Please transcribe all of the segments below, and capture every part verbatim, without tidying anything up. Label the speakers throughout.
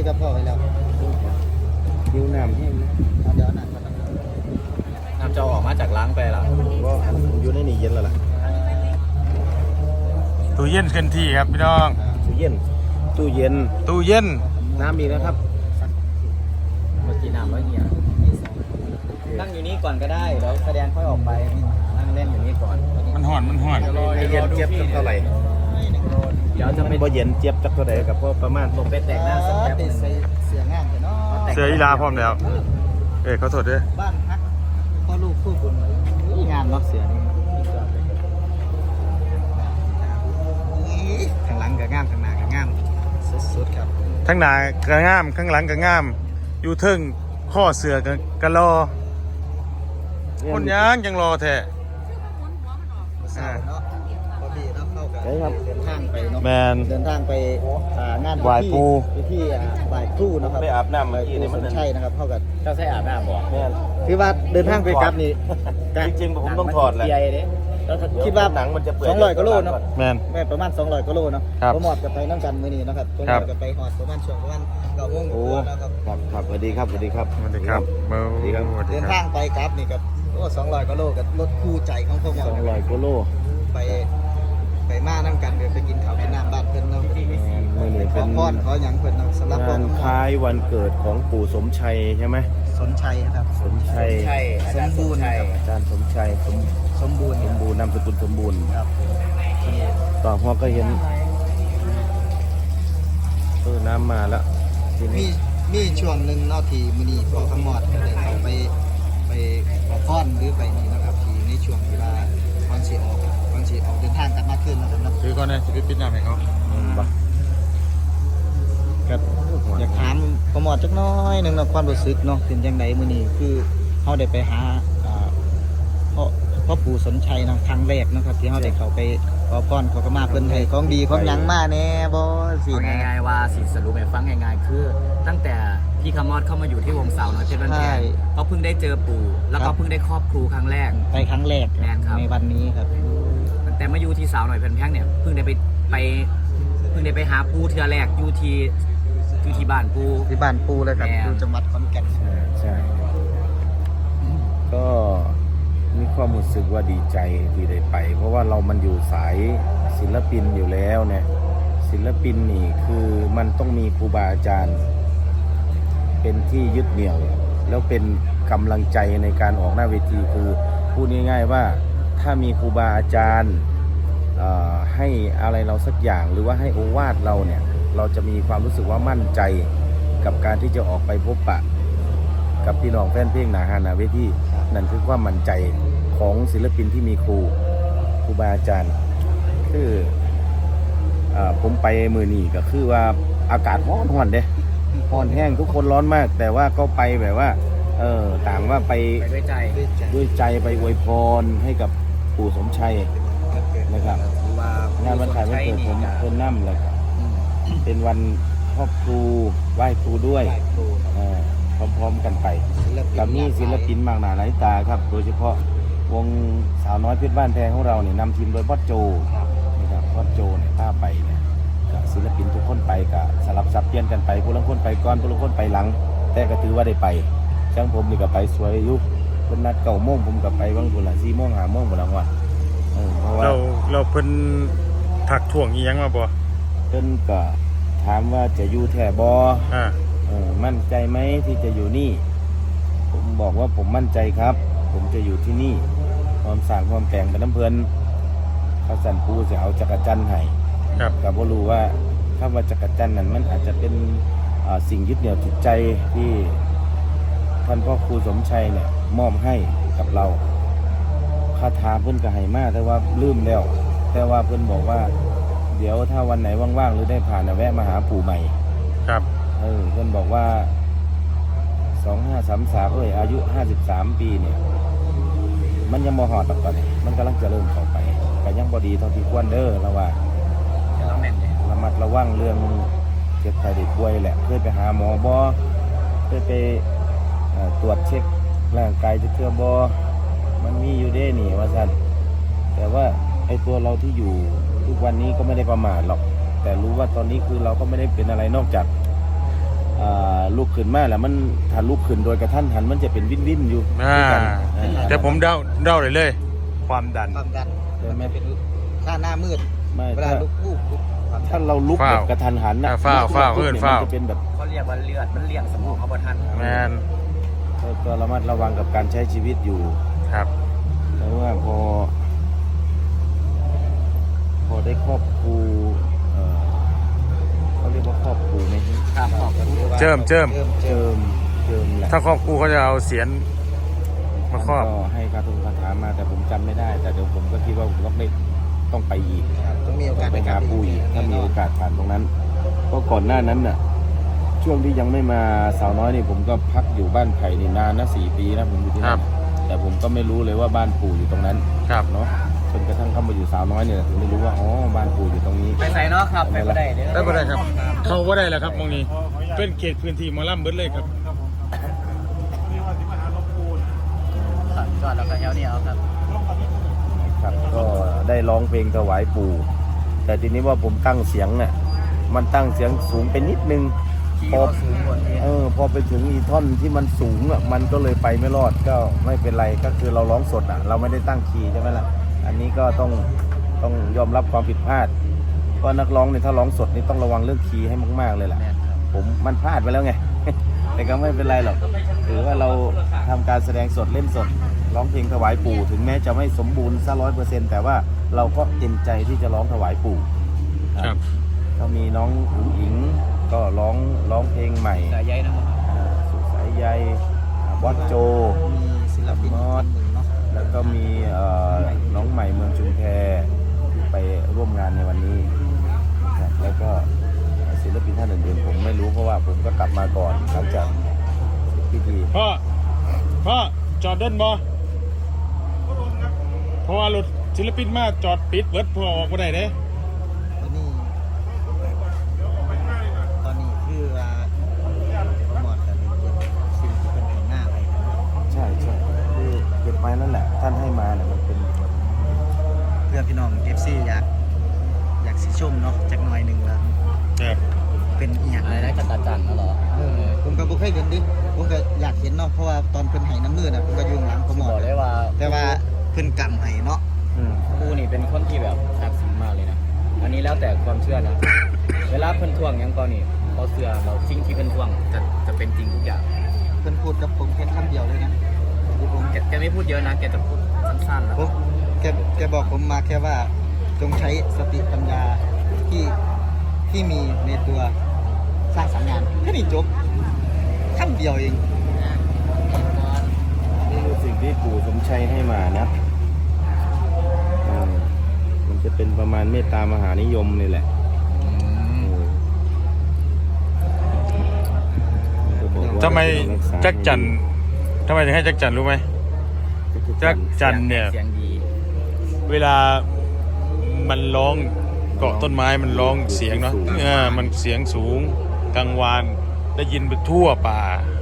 Speaker 1: กับพ่อไปแล้ว
Speaker 2: ยิ้วน้ำแห้งนะ
Speaker 1: เดี๋ยวน้ำ
Speaker 3: น้ำจะออกมาจากล้างไปหรอ
Speaker 2: ก็อยู่ในนี่เย็นแล้วล่ะ
Speaker 4: ตู้เย็นเคลื่อนที่ครับพี่น้อง
Speaker 2: ตู้เย็นตู้เย็น
Speaker 4: ตู้เย็น
Speaker 2: น้ำมีนะครับ
Speaker 3: เมื่อกี้น้ำแล้วเหี่ยนั่งอยู่นี่ก่อนก็ได้แล้วแสดงค่อยออกไปนั่งเล่นอยู่นี่ก่อน
Speaker 4: มันห่อนมันห่อน
Speaker 2: ไม่เย็นเจี๊ยบเท่าไหร่
Speaker 3: เดี๋ยวจะ
Speaker 2: ไม่บ่เย็นเจี๊ยบจักเท่าไหร่กับพ่อประมาณ
Speaker 3: ลงไปแต่งหน้าสักแป๊บนึง
Speaker 1: เสียงานกันเนาะ
Speaker 4: เสืออีลาพร้อมแล้วเอ้เขาโทษด้วย
Speaker 1: บ้านฮักพ่อลูกคู่บุญงานล็อกเสือนี่ข้างหลังกับงามข้างหน้ากับงามสุดๆครับ
Speaker 4: ทั้งหน้าก็งามข้างหลังก็งามอยู่เทิงข้อเสือก็ก็รอคนยังยังรอแท้
Speaker 1: เนาะพอดีเนาะเข้ากันเดินทางไปเนาะ
Speaker 4: แมน
Speaker 1: เดินทางไปงาน
Speaker 4: ไหว้ปู
Speaker 1: ไปที่ไหว้ครูนะครับ
Speaker 2: ไปอาบน้ำเมื่อกี้นี่มัน
Speaker 1: ใช่นะครับเข้ากัน
Speaker 3: เจ้าใช้อาบน้ำบ่
Speaker 2: แม่
Speaker 1: คือว่าเดินทางไปกลับนี่
Speaker 2: จริงๆผมต้องถอดแหละ
Speaker 1: คิดว่า
Speaker 2: หนังมันจะเปื่อย
Speaker 1: สองร้อยกิโลเนาะ
Speaker 4: แมน
Speaker 1: แม่ประมาณสองร้อยกิโลเนาะผมหมดกันไปนั่งกันมื้อนี้นะครับผมหมดกันไปหอดประมาณช่วงประมาณเก้าโมงกว่านะครับ
Speaker 2: ครับครับสวัสดีครับสวัสดีครับ
Speaker 4: สวัสดีครับสวัสดีครับ
Speaker 1: เดินทางไปกลับนี่กับโอ้สองร้อยกิโลกับรถคู่ใจของพวกเรา
Speaker 2: สองร้อยกิโล
Speaker 1: ไปไปมานั่งกันเดี๋ยวไปกินข้าวกินน้ำบ้านเพิ่นเนาะ
Speaker 2: มื่อนี้เป็น
Speaker 1: ขอพรขอหยังเพิ่นเนาะสำหรับ
Speaker 2: งานคล้ายวันเกิดของปู่สมชัยใช่ไหม
Speaker 1: สมชัยครับ
Speaker 2: สมชัย
Speaker 1: สมบูรณ์
Speaker 2: อาจารย์สมชัยสม
Speaker 1: สมบูรณ์
Speaker 2: สมบูรณ์นามสกุลสมบูรณ์
Speaker 1: ครับ
Speaker 2: ต่อหัวก็เห็นเออน้ำมาแล้ว
Speaker 1: มีมีช่วงหนึ่งเนาะที่มื้อนี้พ่อขมอดก็ได้เข้าไปไปขอพรหรือไปนี่นะครับที่ในช่วงเวลาก่อนสิออกก่อนสิออกเดินทางกลับมาคืนนะครับนะ
Speaker 4: คือก่อนนะสิไปปิดน้ำให้เขา
Speaker 1: ครับอยากถามขมอดจักน้อยนึงเนาะความรู้สึกเนาะเป็นจังไดมื้อนี้คือเฮาได้ไปหาอ่าพ่อพ่อปู่สนชัยนะครั้งแรกนะครับที่เขาได้เข้าไปขอพรขอขมาเพิ่นให้ของดีของหยังมาแน่บ่สิ
Speaker 3: ง่ายๆว่าสิสรุปให้ฟังง่ายๆคือตั้งแต่พี่คำมอดเข้ามาอยู่ที่วงสาวน้อยเพชรบ้านแพงเขาเพิ่งได้เจอปู่แล้วก็เพิ่งได้ครอบครูครั้งแรก
Speaker 1: ไปครั้งแรกในวันนี้ครับ
Speaker 3: แต่มาอยู่ที่สาวน้อยเพชรบ้านแพงเนี่ยเพิ่งได้ไปไปเพิ่งได้ไปหาปู่เทื่อแรกอยู่ที่อยู่ที่บ้านปู่
Speaker 1: ที่บ้านปู่เลยครับอยู่จังหวัดขอนแก่น
Speaker 2: ใช่ใช่ก็มีความรู้สึกว่าดีใจที่ได้ไปเพราะว่าเรามันอยู่สายศิลปินอยู่แล้วเนี่ยศิลปินนี่คือมันต้องมีครูบาอาจารย์เป็นที่ยึดเหนี่ยวแล้วเป็นกำลังใจในการออกหน้าเวทีคือพูดง่ายๆว่าถ้ามีครูบาอาจารย์ให้อะไรเราสักอย่างหรือว่าให้โอวาทเราเนี่ยเราจะมีความรู้สึกว่ามั่นใจกับการที่จะออกไปพบปะกับพี่น้องแฟนเพลงหนาฮานาเวทีนั่นคือความมั่นใจของศิลปินที่มีครูครูบาอาจารย์คือผมไปมือนี่ก็คือว่าอากาศร้อนร้อนเด้ร้อนแห้งทุกคนร้อนมากแต่ว่าก็ไปแบบว่าเออต่างว่าไป
Speaker 3: ด้วยใจ
Speaker 2: ด้วยใจไปอวยพรให้กับปู่สมชัยนะครับงานวันถ่ายวันเกิดผมเพิ่นนั่มเลยครับเป็นวันครอบครูไหว้ครูด้วยพร้อมๆกันไปกับนี่ศิลปินมากหน้าหลายตาครับโดยเฉพาะวงสาวน้อยเพชรบ้านแพงของเราเนี่ยนำทีมโดยพ่อโจนะครับพ่อโจเนี่ยพาไปเนี่ยกับศิลปินทุกคนไปกับสลับซับเปลี่ยนกันไปผู้ละคนไปก่อนผู้ละคนไปหลังแต่ก็ถือว่าได้ไปช่างผมนี่ก็ไปสวยยุบเป็นนัดเก่าโมงผมก็ไปบางคนละสี่โมงหาโมงบางวัน
Speaker 4: เพราะว่าเราเราเพิ่นถักถ่วงอีหยังมาบ่
Speaker 2: เพิ่นก็ถามว่าจะอยู่แถบบ่
Speaker 4: อ่า
Speaker 2: เออมั่นใจไหมที่จะอยู่นี่ผมบอกว่าผมมั่นใจครับผมจะอยู่ที่นี่ความสร้างความแต่งเป็นน้ำเพลินเขาสั่นปูจะเอาจักรจันทร์ให้กับว่ารู้ว่าถ้าว่าจักรจันทร์นั้นมันอาจจะเป็นสิ่งยึดเหนี่ยวจิตใจที่ท่านพ่อครูสมชัยเนี่ยมอบให้กับเราคาถาเพิ่นก็ให้มาแต่ว่าลืมแล้วแต่ว่าเพิ่นบอกว่าเดี๋ยวถ้าวันไหนว่างๆหรือได้ผ่านแวะมาหาปู่ใหม่
Speaker 4: ครับ
Speaker 2: เออเพิ่นบอกว่าสองห้าสามสามเอ้ยอายุห้าสิบสามปีเนี่ยมันยังมหอดตอนนี้มันกำลังจะเริ่มเข้าไปแต่ยังบอดีเท่าที่ควรเด้อเราว่าระมัดระวังเรื่องเจ็บไข้ได้ป่วยแหละเคยไปหาหมอบอเคยไปตรวจเช็คร่างกายจะเทื่อบอมันมีอยู่เด้นี่ว่าสันแต่ว่าไอตัวเราที่อยู่ทุกวันนี้ก็ไม่ได้ประมาทหรอกแต่รู้ว่าตอนนี้คือเราก็ไม่ได้เป็นอะไรนอกจากอ่าลุกขึ้นมาแล้วมันถ้าลุกขึ้นโดยกระทันหันมันจะเป็นวินวินอยู่
Speaker 4: อ่า
Speaker 2: ด้วยกันอ่า
Speaker 4: แต่ผมเดาเดาเลยเลย ความดัน
Speaker 1: ความดัน
Speaker 2: ใช่ไหม
Speaker 1: มันจะเป็นค่าหน้ามืด
Speaker 2: ไม่
Speaker 1: เวลา
Speaker 2: ถ้า
Speaker 1: ลุกวูบลุกความดั
Speaker 2: ถ้าน เราลุกแบบกระทันหันนะ
Speaker 4: อ่าฟ้าวฟ้าว
Speaker 2: ลุก
Speaker 4: เอิ้น
Speaker 2: นี่
Speaker 4: ฟ้าว
Speaker 2: มันจะเป็นแบบ
Speaker 3: เขาเรียกว่าเลือดมันเลี้ยงสมองเขาบ่ทัน
Speaker 4: แมน
Speaker 2: ก็ก็ระมัดระวังกับการใช้ชีวิตอยู่
Speaker 4: ครับ
Speaker 2: แล้วว่าพอ พอได้ครอบครูเอ่อเขาเรียกว่าครอบครูไหม
Speaker 3: ครับขอบคุณ
Speaker 4: เจิมเจิม
Speaker 1: เจิมเจิ
Speaker 2: เจิ
Speaker 1: ม
Speaker 2: มเจิมแหละ
Speaker 4: ถ้าครอบครูเขาจะเอาเสียนมาครอบ
Speaker 2: ก็ให้คาถงคาถามาแต่ผมจำไม่ได้ แต่เดี๋ยวผมก็คิดว่าผมต้องได้ต้องไปอีก
Speaker 1: ต้องมีโอกาส
Speaker 2: ไปหาปู่อีกถ้ามีโอกาสผ่านตรงนั้นเพราะก่อนหน้านั้นน่ะช่วงที่ยังไม่มาสาวน้อยนี่ผมก็พักอยู่บ้านไผ่นี่นานนะสี่ปีนะผมอยู่ที่
Speaker 4: ครั
Speaker 2: นั่
Speaker 4: บ
Speaker 2: นแต่ผมก็ไม่รู้เลยว่าบ้านปู่อยู่ตรงนั้น
Speaker 4: ครับ
Speaker 2: เนาะจนกระทั่งเข้ามาอยู่สาวน้อยเนี่ยถึงได้รู้ว่าอ๋อบ้านปู่อยู่ตรงนี้
Speaker 3: ไปใส่เนาะครับไปบ่ได้เด้อ
Speaker 4: ได้บ่ได้ครับ เข้าบ่ได้แล้วครับมองนี้ เป็นเขตพื้นที่หมอลำเบิดเลยครับ
Speaker 3: จอดแล้วก็แถวนี้เอาครับ
Speaker 2: ครับก็ได้ร้องเพลงถวายปู่ แต่ทีนี้ว่าผมตั้งเสียงเนี่ยมันตั้งเสียงสูงไปนิดนึง
Speaker 3: ขี่
Speaker 2: พอ
Speaker 3: ก็สูงกว่านี้
Speaker 2: เออพอไปถึงอีท่อนที่มันสูงอ่ะมันก็เลยไปไม่รอดก็ไม่เป็นไรก็คือเราร้องสดอ่ะเราไม่ได้ตั้งคีย์ใช่ไหมล่ะอันนี้ก็ต้องต้องยอมรับความผิดพลาดเพราะนักร้องเนี่ยถ้าร้องสดนี่ต้องระวังเรื่องคีย์ให้มากๆเลยแหละ
Speaker 3: แม่นครับ
Speaker 2: ผมมันพลาดไปแล้วไง แต่ก็ไม่เป็นไรหรอกถือว่าเราทำการแสดงสดเล่นสดร้องเพลงถวายปู่ถึงแม้จะไม่สมบูรณ์ซะร้อยเปอร์เซ็นต์แต่ว่าเราก็เต็มใจที่จะร้องถวายปู่
Speaker 4: ครับ
Speaker 2: ก็มีน้องอุ๋งอิงก็ร้องร้องเพลงใหม่
Speaker 3: สายใยนะครับ
Speaker 2: อ่าสุขสายใยอ่าบอสโจ
Speaker 1: มีศิลปินท่านหนึ่งเนาะ
Speaker 2: แล้วก็มีเอ่อน้องใหม่เมืองชุมแพที่ไปร่วมงานในวันนี้นะครับแล้วก็ศิลปินท่านอื่นๆผมไม่รู้เพราะว่าผมก็กลับมาก่อนหลังจากพิธี
Speaker 4: พ่อ พ่อ จอดเดินบ่เพราะว่ารถศิลปินมาจอดปิดเบิดพอออกบ่ได้เด้
Speaker 1: ตอนนี้ตอนนี้คือว่าโปรโมทกันสิ่งที่เป็นแห่งหน้าไป
Speaker 2: ใช่ใช่คือเก็บไว้นั่นแหละ ท่านให้มาเนี่ยมันเป็น
Speaker 1: เพื่อพี่น้อง เอฟ ซี อยากอยากสิชมเนาะจักหน่อยหนึ่งว่า
Speaker 4: ครับ
Speaker 1: เป็นอีหยัง
Speaker 3: อะไรนะจักรจันทร์เหรอ
Speaker 1: เออผมก็บ่เคยเห็นดิผมก็อยากเห็นเนาะเพราะว่าตอนเพิ่นให้น้ำมือน่ะผมก็อยู่ข้างหลังโปรโม
Speaker 3: บ
Speaker 1: ท
Speaker 3: อกเลยว่า
Speaker 1: แต่ว่าเพิ่นกำให้เนาะ
Speaker 2: อืม
Speaker 3: ครูนี่เป็นคนที่แบบศักดิ์สิทธิ์มากเลยนะ อันนี้แล้วแต่ความเชื่อนะ เวลาเพิ่นทวงหยังก่อนนี่เขาเชื่อเราสิ่งที่เพิ่นทวงจะจะเป็นจริงทุกอย่าง
Speaker 1: เพิ่นพูดกับผมแค่คำเดียวเลยนะที่ผม
Speaker 3: แกแกไม่พูดเยอะนะแกจะพูดสั้นๆแล้ว
Speaker 1: ผมแกแกบอกผมมาแค่ว่าจงใช้สติปัญญาที่ที่มีในตัวสร้างสรรค์งานแค่นี้จบคำเดียวเอง
Speaker 2: นี่คือสิ่งที่ปู่สมชัยให้มานะเออมันจะเป็นประมาณเมตตามหานิยมนี่แหละเออมันก็บอกว่า
Speaker 4: ทำไม
Speaker 2: ให้รัษา
Speaker 4: จักรจันทร์ทำไมถึงให้จักรจันทร์รู้ไหม จักรจันทร์เนี่ย
Speaker 3: เสียงดี
Speaker 4: เวลามันร้องเกาะต้นไม้มันร้องเสียงเนาะเออมันเสียงสูงกลางวานได้ยินไปทั่วป่า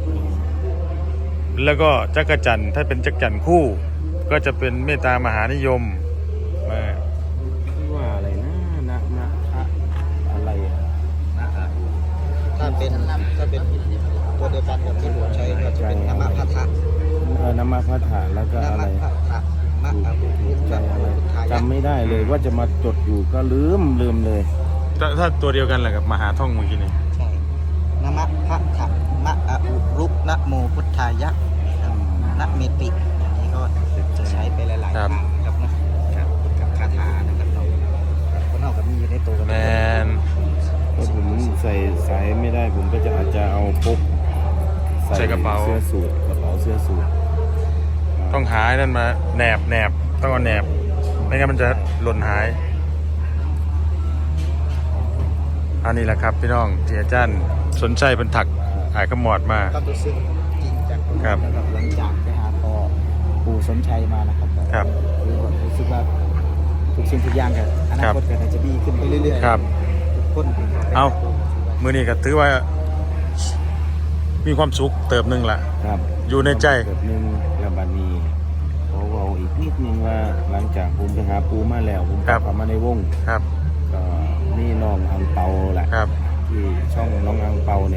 Speaker 4: แล้วก็จักรจันทร์ถ้าเป็นจักรจันทร์คู่ ก็จะเป็นเมตตามหานิยมเออ
Speaker 2: ชื่อว่าอะไรนะนะนะอะอะไรอะ
Speaker 3: นะครับ
Speaker 1: ถ้าเป็นถ้าเป็นตัวเดียวกันกับที่ผมใช้ก็จะเป็นนามพัทธะ
Speaker 2: เออนามาพัฒาแล้วก็
Speaker 1: นา
Speaker 2: อะไร
Speaker 1: มพัทธะมะอาบุรุษ
Speaker 2: ใจ
Speaker 1: นะ
Speaker 2: อะไร
Speaker 1: พุทธายะ
Speaker 2: จำไม่ได้เลยว่าจะมาจดอยู่ก็ลืมลืมเลย
Speaker 4: ถ้าถ้าตัวเดียวกันแหละกับมหาท่องเมื่อกี้นี่
Speaker 1: ใช่นามพัทธะมะอาบุรุษนะโมพุทธายะนะเมติอย่างนี้ก็จะใช้ไปหลายๆครั้งนะครับนะครับกับคาถานะครับเราคนเราก็มีอยู่ในตัวกัน
Speaker 4: แมน
Speaker 2: ถ้าผมใส่สายไม่ได้ผมก็จะอาจจะเอาพก
Speaker 4: ใส่กระเป๋า
Speaker 2: เสื้อสูทกระเป๋าเสื้อสูท
Speaker 4: ต้องหายนั่นมาแหนบแหนบต้องเอาแหนบไม่งั้นมันจะหล่นหายอันนี้แหละครับพี่น้องที่อาจารย์สนใจเป็นถักหายขมอดมา
Speaker 1: ก็รู้สึกจริงจัง
Speaker 4: ครับ
Speaker 1: นะครับหลังจากไปหาพ่อปู่สมชัยมานะครับ
Speaker 4: ครับ
Speaker 1: คือผมรู้สึกว่าทุกสิ่งทุกอย่างกันอนาคตก็จะดีขึ้นไปเรื่อยๆ
Speaker 4: ครับ
Speaker 1: ทุกคน
Speaker 4: เอา มือนี้ก็ถือว่า มีความสุขเติบหนึ่งละ
Speaker 2: ครับ
Speaker 4: อยู่ในใจ
Speaker 2: แบบนึงแล้วบัดนี้ขอเว้าอีกนิดนึงว่าหลังจากผมไปหาปูมาแล้วผมก
Speaker 4: ครั
Speaker 2: ลับบ เข้ามาในวง
Speaker 4: ครับ
Speaker 2: ก็นี่น้องอังเปาแหละ
Speaker 4: ครับ
Speaker 2: ที่ช่องน้องอังเปาเนี่ยแหละ
Speaker 4: ค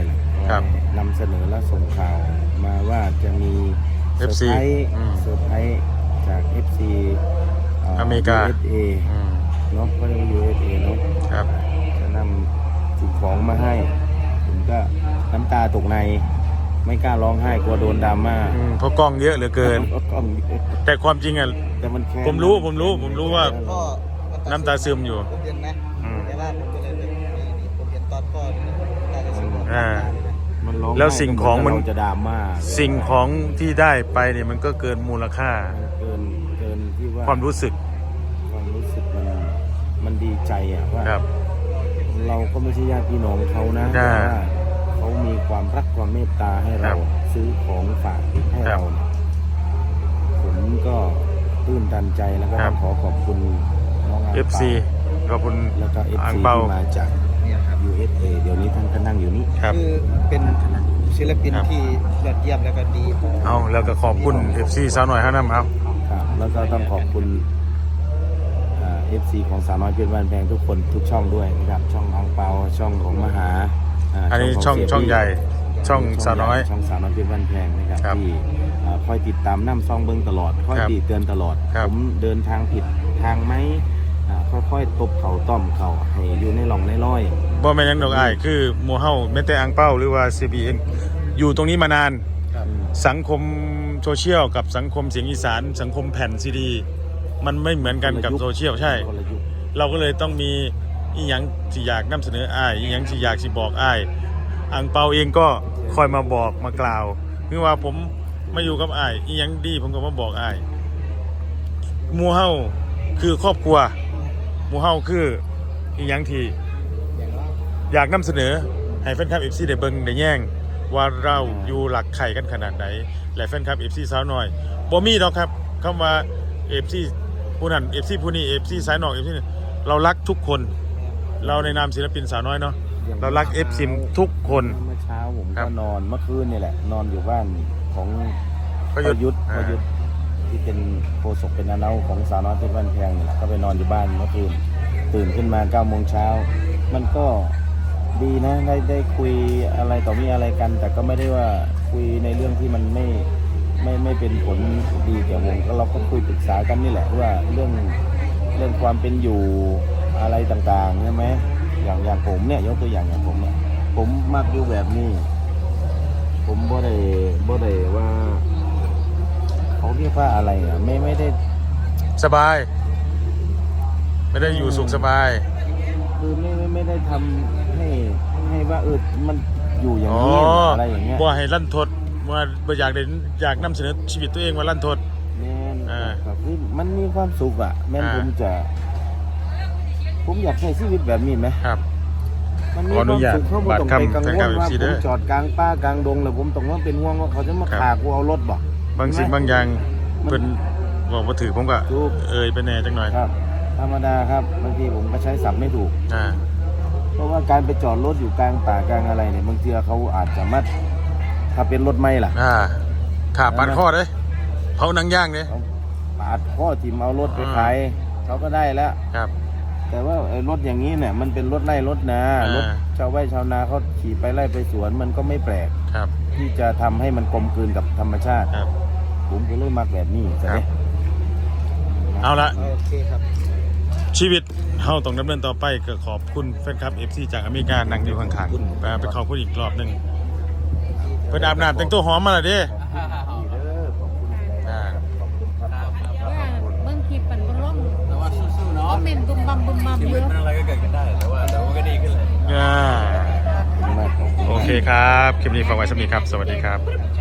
Speaker 4: ครับ
Speaker 2: นำเสนอและส่งข่าวมาว่าจะมีเซอ
Speaker 4: เอฟ
Speaker 2: ร์
Speaker 4: ซี
Speaker 2: ไพรส์
Speaker 4: อืม
Speaker 2: เซอร์ไพรส์จาก เอฟ ซี
Speaker 4: อเมริกา
Speaker 2: ยู เอส เอ
Speaker 4: อืม
Speaker 2: เนาะก็เรียกว่า ยู เอส เอ เนาะ
Speaker 4: ครับ
Speaker 2: จะนำสิ่งของมาให้ผมก็น้ำตาตกในไม่กล้าร้องไห้กลัวโดนดราม่า
Speaker 4: อืมเพราะกล้องเยอะเหลือเกิน
Speaker 2: กล้อง
Speaker 4: แต่ความจริงอ่ะ
Speaker 2: แต่มันแค้น
Speaker 4: ผมรู้ผมรู้ผมรู้ว่า
Speaker 1: พ่อ
Speaker 4: น้ำตาซึมอยู่
Speaker 1: ผมเห็นนะ
Speaker 4: อืม
Speaker 1: แต่ว่าผมก็เลยแบบนี่นี่ผมเห็นตอนพ่อนี่น้ำตาจะซึมออก
Speaker 4: อ่า
Speaker 2: มันร้องไห้
Speaker 4: แล้วสิ่งของมัน
Speaker 2: เราจะดราม่า
Speaker 4: สิ่งของที่ได้ไปเนี่ยมันก็เกินมูลค่า
Speaker 2: เกินเกินที่ว่า
Speaker 4: ความรู้สึก
Speaker 2: ความรู้สึกมันมันดีใจอะว่า
Speaker 4: ครับ
Speaker 2: เราก็ไม่ใช่ญาติพี่น้องเขานะ
Speaker 4: อ่า
Speaker 2: แต่ว่าเขามีความรักความเมตตาให้
Speaker 4: ครั
Speaker 2: เรา
Speaker 4: บ
Speaker 2: ซื้อของฝากให้
Speaker 4: ครับ
Speaker 2: เราเนี่ยผมก็ตื้นตันใจแล้วก็
Speaker 4: ครั
Speaker 2: ต้
Speaker 4: บ
Speaker 2: องขอขอบคุณน้องอัง
Speaker 4: เอฟ
Speaker 2: เปา
Speaker 4: ซี ขอบคุณ
Speaker 2: แล้วก็ เอฟ
Speaker 4: อัง
Speaker 2: ซี
Speaker 4: เปา
Speaker 2: ที่มาจาก
Speaker 1: เนี่ยครับ
Speaker 2: ยู เอส เอ เดี๋ยวนี้ท่านก็นั่งอยู่นี่
Speaker 4: ครับ
Speaker 1: คือเป็นศิลปิน
Speaker 4: ครับ
Speaker 1: ที่ยอดเยี่ยมแล้วก็ดีต่อ
Speaker 4: เอาแล้วก็ขอบคุณ เอฟ ซี สาวหน่อยห้าน้ำเอา
Speaker 2: ครับแล้วก็ต้องขอบคุณเอฟซีของสาวน้อยเพชรบ้านแพงทุกคนทุกช่องด้วยนะครับช่องอังเปาช่องของมหาา
Speaker 4: อันนี้
Speaker 2: ข
Speaker 4: ช่อง
Speaker 2: เสีย
Speaker 4: ช่อง
Speaker 2: บี้
Speaker 4: ใหญ่ ช่องสาวน้อย
Speaker 2: ช่องสาวน้อยเพชรบ้านแพงนะครับ
Speaker 4: ครับ
Speaker 2: ที่อ่าคอยติดตามน้ำซองเบิ้งตลอดคอย
Speaker 4: ครับ
Speaker 2: ตีเตือนตลอด
Speaker 4: ครับ
Speaker 2: ผมเดินทางผิดทางไหมอ่าค่อยๆตบเข่าต้อมเข่าให้อยู่ในหล่องในร้อย
Speaker 4: บ่แม่นหยังดอกอ้ายคือหมู่เฮาแม้แต่อังเป้าหรือว่า ซี บี เอ็น อยู่ตรงนี้มานาน
Speaker 1: ครับ
Speaker 4: สังคมโซเชียลกับสังคมเสียงอีสาน สังคมแผ่นซีดี มันไม่เหมือนกันกับโซเชียลใช่
Speaker 2: คนละยุค
Speaker 4: เราก็เลยต้องมีอีหยังที่อยากนำเสนออ้ายอีหยังที่อยากสิบอกอ้ายอังเปาเองก็คอยมาบอกมากล่าวคือว่าผมมาอยู่กับอ้ายอีหยังดีผมก็มาบอกอ้ายหมู่เฮาคือครอบครัวหมู่เฮาคืออีหยังที่
Speaker 1: อย่างว่า
Speaker 4: อยากนำเสนอให้แฟนคลับ เอฟ ซี ได้เบิ่งได้แย่งว่าเราอยู่หลักไข่กันขนาดไหนและแฟนคลับ เอฟ ซี สาวน้อยบ่มีดอกครับคำว่า เอฟ ซี ผู้นั้น เอฟ ซี ผู้นี้ เอฟ ซี สายนอก เอฟ ซี เรารักทุกคน เราในนามศิลปินสาวน้อยเนาะเรารัก เอฟ ซี ทุกคน
Speaker 2: เมื่อเช้าผม
Speaker 4: ครั
Speaker 2: ก็
Speaker 4: บ
Speaker 2: นอนเมื่อคืนนี่แหละ นอนอยู่บ้านของ
Speaker 4: ประยุทธ์
Speaker 2: ประยุทธ์ที่เป็นโฆษกเป็นนาเนาของสาวน้อยเพชรบ้านแพงนี่แหละก็ไปนอนอยู่บ้านเมื่อคืนตื่นขึ้นมาเก้าโมงเช้ามันก็ดีนะได้ได้คุยอะไรต่อมีอะไรกัน แต่ก็ไม่ได้ว่าคุยในเรื่องที่มันไม่ไม่ไม่เป็นผลดีแก่วงก็เราก็คุยปรึกษากันนี่แหละว่าเรื่องเรื่องความเป็นอยู่อะไรต่างๆใช่ไหมอย่างอย่างผมเนี่ยยกตัวอย่างอย่างผมเนี่ยผมมักอยู่แบบนี้ ผมบ่ได้บ่ได้ว่าเขาเรียกว่าอะไรอ่ะไม่ไม่ได้
Speaker 4: สบาย ไม่ได้อยู่สุขสบาย
Speaker 2: คือไม่ไม่ไม่ได้ทำให้ให้ว่าเออมันอยู่อย่าง
Speaker 4: อ๋อ
Speaker 2: นี้อะไรอย่างเงี้ย
Speaker 4: บ่ให้ลั่นทดว่าบ่อยากได้อยากนำเสนอชีวิตตัวเองว่าลั่นทด
Speaker 2: แม่น
Speaker 4: อ่า
Speaker 2: ก็คือมันมีความสุขอ่ะแม่น
Speaker 4: อ่า
Speaker 2: ผมจะ ผมอยากใช้ชีวิตแบบนี้ไหม
Speaker 4: ครับ
Speaker 2: มันมี
Speaker 4: ขออนุญาต
Speaker 2: ความสุขเขาบ่ต้องไปกังวล
Speaker 4: บัตรคำ
Speaker 2: ว่า
Speaker 4: แฟนคลับ
Speaker 2: ผ
Speaker 4: เอฟซีเด้
Speaker 2: ม
Speaker 4: อ
Speaker 2: จอดกลางป่ากลางดงแล้วผมต้องว่าเป็นห่วงว่าเขาจะมา
Speaker 4: ครับ
Speaker 2: ขากูเอารถบ่
Speaker 4: บางสิ่งบางอย่างเพิ่นบอกว่าถือผมก็
Speaker 2: ถูก
Speaker 4: เอ่ยไปแน่จังหน่อย
Speaker 2: ครับ ธรรมดาครับบางทีผมก็ใช้ศัพท์ไม่ถูก
Speaker 4: อ่า
Speaker 2: เพราะว่าการไปจอดรถอยู่กลางป่ากลางอะไรเนี่ยบางทีเขาอาจจะมัดถ้าเป็นรถไม่ล่ะ
Speaker 4: อ่าขาปาดข้อเด้เผาหนังย่างเด้
Speaker 2: เขาปาดข้อทิมเอารถไป
Speaker 4: อ่า
Speaker 2: ขายเขาก็ได้แล้ว
Speaker 4: ครับ
Speaker 2: แต่ว่าไอ้รถอย่างนี้เนี่ยมันเป็นรถไร่รถนา
Speaker 4: อ่าร
Speaker 2: ถชาวไร่ชาวนาเขาขี่ไปไร่ไปสวนมันก็ไม่แปลก
Speaker 4: ครับ
Speaker 2: ที่จะทำให้มันกลมกลืนกับธรรมชาติ
Speaker 4: ครับ
Speaker 2: ผมก็เลยมักแบบนี้ใช่ไหม
Speaker 4: เอาละ
Speaker 1: โอเคครับ
Speaker 4: ชีวิตเฮาต้องดำเนินต่อไปก็ขอบคุณแฟนคลับ เอฟ ซี จากอเมริกานั่งอยู่ข้างๆไปไปขอบคุณอีกรอบหนึงเพิ่นอาบน้ำแต่งตัวหอมมาแล้วเด้
Speaker 2: ดีเด้อขอบคุณ
Speaker 4: อ่า
Speaker 2: ขอบคุณครับ
Speaker 5: ว่าเบิ่งคลิปมันบ่ร่อง
Speaker 3: แต่ว่าสู้ๆ
Speaker 5: ค
Speaker 3: เนาะ
Speaker 5: อมเมนต์บุมบัมบุมบัม
Speaker 3: ชี
Speaker 5: เย
Speaker 3: วิต
Speaker 5: อะ
Speaker 3: มันอะไรก็เกิดกันได้แต่ว่าแต่ว่าก็ดีขึ้นเลย
Speaker 4: อ่า
Speaker 2: ขอบคุณมากครับ
Speaker 4: โอเคครับ คลิปนี้ฝากไว้สำหรับนี้ครับ สวัสดีครับ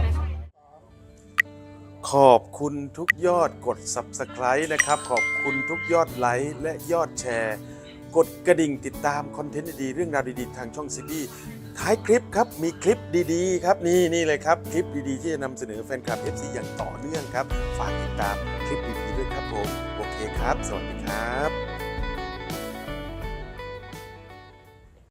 Speaker 4: ขอบคุณทุกยอดกด ซับสไครบ์ นะครับ ขอบคุณทุกยอดไลค์และยอดแชร์ กดกระดิ่งติดตามคอนเทนต์ดีๆเรื่องราวดีๆ ทางช่องซีบีท้ายคลิปครับ มีคลิปดีๆ ครับ นี่นี่เลยครับ คลิปดีๆ ที่จะนำเสนอแฟนคลับ เอฟ ซี อย่างต่อเนื่องครับ ฝากติดตามคลิปดีๆด้วยครับผม โอเคครับ สวัสดีครับ